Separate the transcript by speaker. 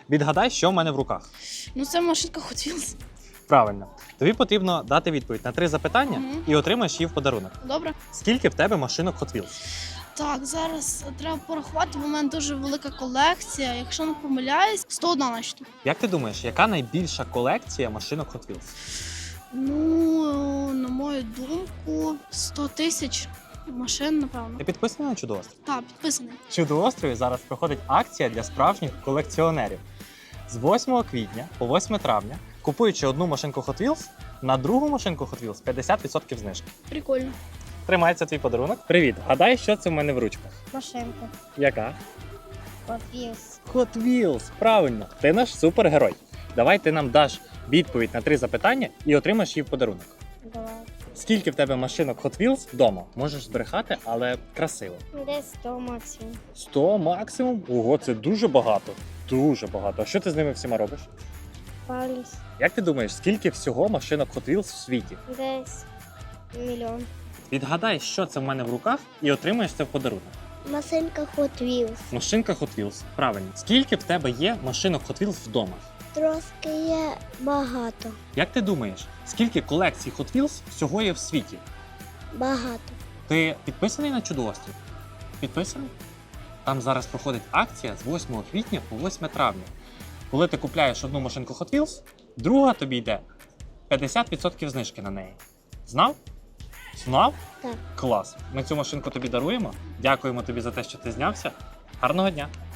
Speaker 1: Відгадай, що в мене в руках.
Speaker 2: Ну, це машинка Hot Wheels.
Speaker 1: Правильно. Тобі потрібно дати відповідь на 3 запитання і отримаєш її в подарунок.
Speaker 2: Добре.
Speaker 1: Скільки в тебе машинок Hot Wheels?
Speaker 2: Так, зараз треба порахувати, бо в мене дуже велика колекція. Якщо не помиляюсь, 101 наче.
Speaker 1: Як ти думаєш, яка найбільша колекція машинок Hot Wheels?
Speaker 2: Ну, на мою думку, 100 тисяч машин, напевно.
Speaker 1: Ти підписаний на Чудоострів?
Speaker 2: Так, підписаний.
Speaker 1: В Чудоострові зараз проходить акція для справжніх колекціонерів. З 8 квітня по 8 травня, купуючи одну машинку Hot Wheels, на другу машинку Hot Wheels 50% знижки.
Speaker 2: Прикольно.
Speaker 1: Тримається твій подарунок. Привіт! Гадай, що це в мене в ручках?
Speaker 3: Машинка.
Speaker 1: Яка?
Speaker 3: Hot Wheels.
Speaker 1: Hot Wheels! Правильно! Ти наш супергерой. Давай ти нам даш відповідь на 3 запитання і отримаєш її в подарунок.
Speaker 3: Давай.
Speaker 1: Скільки в тебе машинок Hot Wheels вдома? Можеш збрехати, але красиво.
Speaker 3: Десь 100 максимум.
Speaker 1: 100 максимум? Ого, це дуже багато. Дуже багато. А що ти з ними всіма робиш?
Speaker 3: Паліс.
Speaker 1: Як ти думаєш, скільки всього машинок Hot Wheels в світі?
Speaker 3: Десь мільйон.
Speaker 1: Відгадай, що це в мене в руках, і отримаєш це в подарунок.
Speaker 3: Машинка Hot Wheels.
Speaker 1: Машинка Hot Wheels. Правильно. Скільки в тебе є машинок Hot Wheels вдома?
Speaker 3: Трошки є багато.
Speaker 1: Як ти думаєш, скільки колекцій Hot Wheels всього є в світі?
Speaker 3: Багато.
Speaker 1: Ти підписаний на Чудоострів? Підписаний? Там зараз проходить акція з 8 квітня по 8 травня. Коли ти купляєш одну машинку Hot Wheels, друга тобі йде 50% знижки на неї. Знав? Знав?
Speaker 3: Так.
Speaker 1: Клас. Ми цю машинку тобі даруємо. Дякуємо тобі за те, що ти знявся. Гарного дня!